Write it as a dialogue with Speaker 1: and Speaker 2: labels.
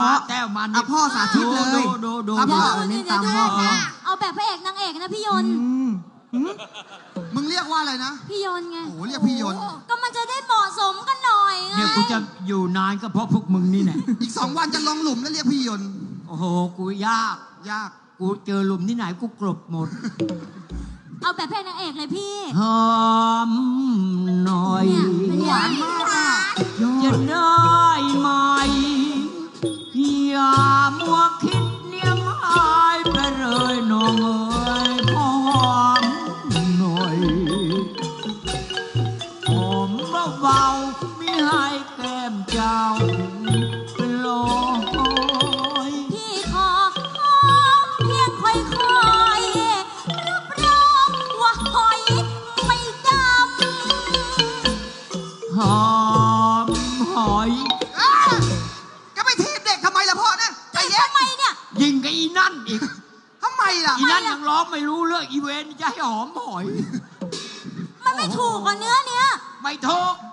Speaker 1: แต้วมัน
Speaker 2: พ่อสาธิตเลย
Speaker 1: ดู
Speaker 2: ครับพ่อ
Speaker 3: เดี๋ยวเอาแบบพระเอกนางเอกนะพี่ยนต์
Speaker 2: มึงเรียกว่าอะไรนะ
Speaker 3: พี่ยนต์ไง
Speaker 2: โอ้โหเรียกพี่ยนต์
Speaker 3: ก็มันจะได้เหมาะสมกันหน่อยไง
Speaker 1: เนี่ยกูจะอยู่นานก็เพราะพวกมึงนี่แหละ
Speaker 2: อีก2 วันจะลงหลุมแล้วเรียกพี่ยนต์
Speaker 1: โอ้โหกูยาก
Speaker 2: ยาก
Speaker 1: กูเจอหลุมที่ไหนกูกลบหมด
Speaker 3: เอาแบบพระเอกนางเอกเลยพี่
Speaker 1: หอมหน่อย
Speaker 3: เนี่ย
Speaker 2: หวานมากอ่ะ
Speaker 1: จะได้ไหมอย่ามัวคิดเนียมหายไปเลยน้องเอ๋ยหอมหน่อยหอมเบาๆไม่ให้แก้มเจ้าเป็นลอย
Speaker 3: พี่ขอหอมเพียงค่อยๆรับรองว่าหอยไม่ดำ
Speaker 1: หอมหอย
Speaker 2: ก็ไปทีบเด็กทำไมล่ะพ่อเนี่ยใจเย็น
Speaker 3: ทำไมเนี่ย
Speaker 1: ยิงกับอีนั่นอีก
Speaker 2: ทำไมล่ะ
Speaker 1: อีนั่นยังร้องไม่รู้เรื่องอีเวนจะให้หอมหอย
Speaker 3: มันไม่ถูกกับเนื้อเนี้ย
Speaker 1: ไม่ถูก